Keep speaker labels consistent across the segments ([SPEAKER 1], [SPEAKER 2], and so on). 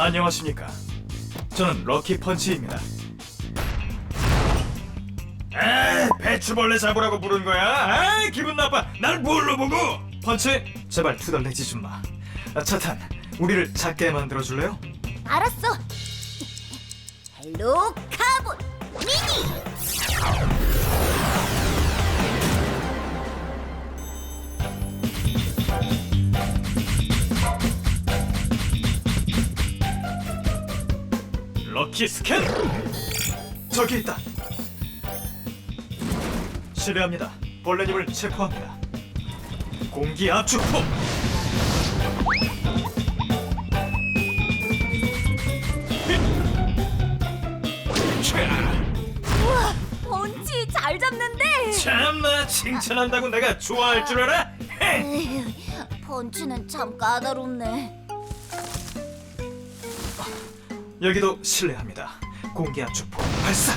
[SPEAKER 1] 안녕하십니까. 저는 럭키 펀치입니다. 아, 배추벌레 잡으라고 부른 거야? 아, 기분 나빠. 날 뭘로 보고? 펀치, 제발 투덜대지 좀 마. 차탄, 우리를 작게 만들어 줄래요?
[SPEAKER 2] 알았어. 헬로 카본 미니.
[SPEAKER 1] 럭키 스캔! 저기 있다. 실례합니다. 벌레님을 체포합니다. 공기 압축포!
[SPEAKER 2] 우와, 펀치 잘 잡는데.
[SPEAKER 1] 참나, 칭찬한다고 내가 좋아할 줄 알아? 헤!
[SPEAKER 2] 에휴, 펀치는 참 까다롭네.
[SPEAKER 1] 여기도 실례합니다. 공기 압축포 발사!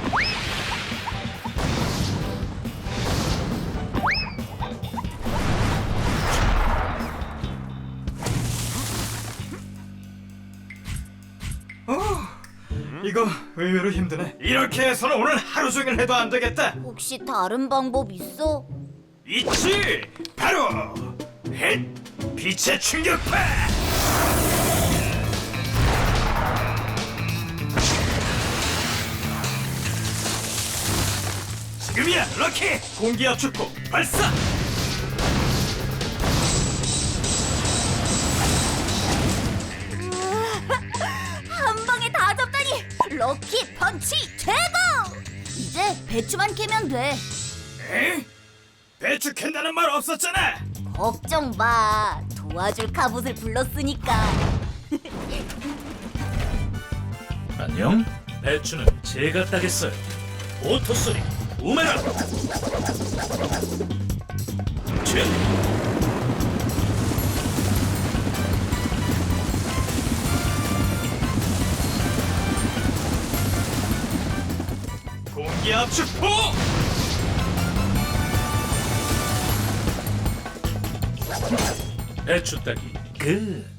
[SPEAKER 1] 이거 의외로 힘드네. 이렇게 해서는 오늘 하루 종일 해도 안 되겠다.
[SPEAKER 2] 혹시 다른 방법 있어?
[SPEAKER 1] 있지! 바로 헷! 빛의 충격파! 지금이야, 럭키! 공기 압축포 발사!
[SPEAKER 2] 한 방에 다 잡다니! 럭키 펀치 최고! 이제 배추만 캐면 돼.
[SPEAKER 1] 에? 배추 캔다는 말 없었잖아!
[SPEAKER 2] 걱정 마. 도와줄 카봇을 불렀으니까.
[SPEAKER 3] 안녕? 배추는 제가 따겠어요. 오토소리 우메라. 쯧!
[SPEAKER 1] 공기 압축포!
[SPEAKER 3] 배추 따기 끝.